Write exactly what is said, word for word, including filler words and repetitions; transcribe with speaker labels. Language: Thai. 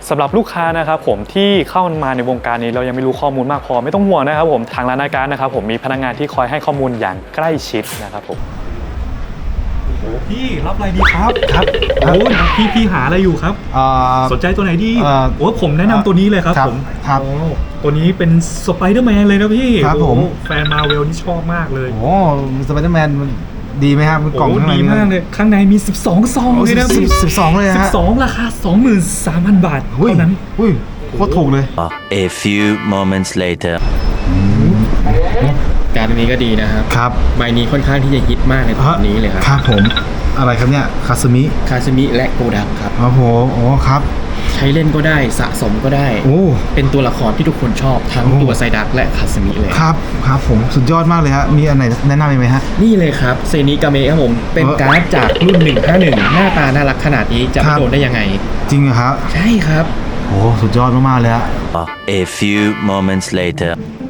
Speaker 1: สำหรับลูกค้านะครับผมที่เข้ามาในวงการนี้เรายังไม่รู้ข้อมูลมากพอไม่ต้องห่วงนะครับผมทางร้านอาการนะครับผมมีพนักงานที่คอยให้ข้อมูลอย่างใกล้ชิดนะครับผมโอ้พี่รับอะไรดีครับครับโอ้พี่พี่หาอะไรอยู่ครับสนใจตัวไหนดีโอ้ผมแนะนำตัวนี้เลยครับผมครับตัวนี้เป็นสไปเดอร์แมนเลยนะพี่ครับผมแฟนมาเวลนี่ชอบมากเลยโอ้
Speaker 2: สไปเดอร์แมนดีไหมครับกล่องข้างใน
Speaker 1: ดีมากเลยข้างในมีสิบสองซองเลยนะพี่
Speaker 2: สิบสองเลยฮะ
Speaker 1: สิบสองราคา สองหมื่นสามพัน บาทเท่านั้น
Speaker 2: อุ้ยโคตรถูกเลย
Speaker 3: A few moments later
Speaker 4: การนี้ก็ดีนะครับครับใบนี้ค่อนข้างที่จะฮิตมากในตอนนี้เลยครับ
Speaker 2: ครับผมอะไรครับเนี่ยคาสมิ
Speaker 4: คาสมิและโกดักครับ
Speaker 2: ครับผมโอ้ครับ
Speaker 4: ใช้เล่นก็ได้สะสมก็ได้โอ้เป็นตัวละครที่ทุกคนชอบทั้งตัวไซดักและคาสมิเลย
Speaker 2: ครับครับผมสุดยอดมากเลยฮะมีอันไหนแนะนำไหมฮะ
Speaker 4: นี่เลยครับเซนิกาเมะครับผมเป็นการ์ดจากรุ่นหนึ่งห้าหนึ่งหน้าตาน่ารักขนาดนี้จะไม่โดนได้ยังไง
Speaker 2: จริงเหรอครับ
Speaker 4: ใช่ครับ
Speaker 2: โอ้สุดยอดมากๆเลยฮะ
Speaker 3: A few moments later